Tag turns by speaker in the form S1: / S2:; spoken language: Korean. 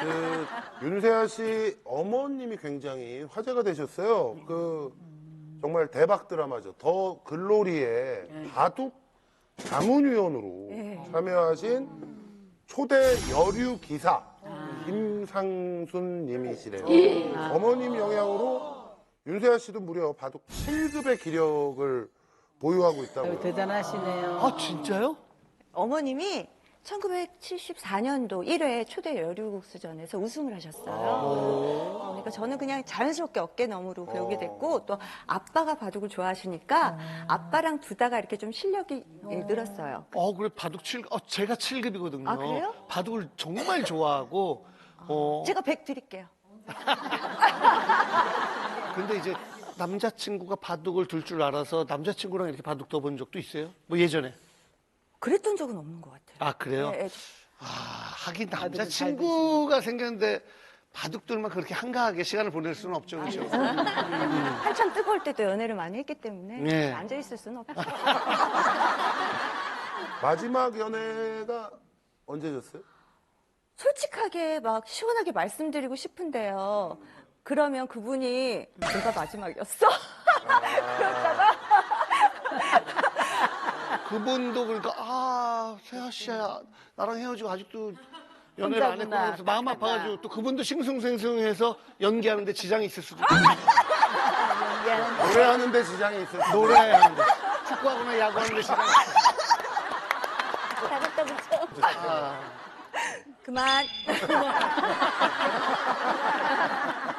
S1: 윤세아 씨 어머님이 굉장히 화제가 되셨어요. 정말 대박 드라마죠. 더 글로리의 바둑 자문위원으로 참여하신 초대 여류 기사 김상순 님이시래요. 어머님 영향으로 윤세아 씨도 무려 바둑 7급의 기력을 보유하고 있다고요.
S2: 대단하시네요.
S3: 아, 진짜요?
S4: 어머님이 1974년도 1회 초대 여류국수전에서 우승을 하셨어요. 그러니까 저는 그냥 자연스럽게 어깨너머로 배우게 됐고 또 아빠가 바둑을 좋아하시니까 아빠랑 두다가 이렇게 좀 실력이 늘었어요.
S3: 그래, 바둑 제가 7급이거든요.
S4: 아, 그래요?
S3: 바둑을 정말 좋아하고,
S4: 제가 100 드릴게요.
S3: 근데 이제 남자친구가 바둑을 둘 줄 알아서 남자친구랑 이렇게 바둑 둬본 적도 있어요? 뭐 예전에?
S4: 그랬던 적은 없는 것 같아요.
S3: 아, 그래요?
S4: 네,
S3: 하긴 남자친구가 생겼는데 바둑들만 그렇게 한가하게 시간을 보낼 수는 없죠, 그렇죠?
S4: 한참 뜨거울 때도 연애를 많이 했기 때문에
S3: 네.
S4: 앉아있을 수는 없죠.
S1: 마지막 연애가 언제셨어요?
S4: 솔직하게 막 시원하게 말씀드리고 싶은데요. 그러면 그분이 내가 마지막이었어? 그러다가
S3: 그분도 그러니까 세아 씨야 나랑 헤어지고 아직도 연애를 안 했구나 그래서 마음 아파가지고 또 그분도 싱숭생숭해서 연기하는데 지장이 있을 수도 있고
S1: 노래하는데 지장이 있어요.
S3: 노래하는데 축구하거나 야구하는데 지장이
S4: 잘했다 그죠? 그만.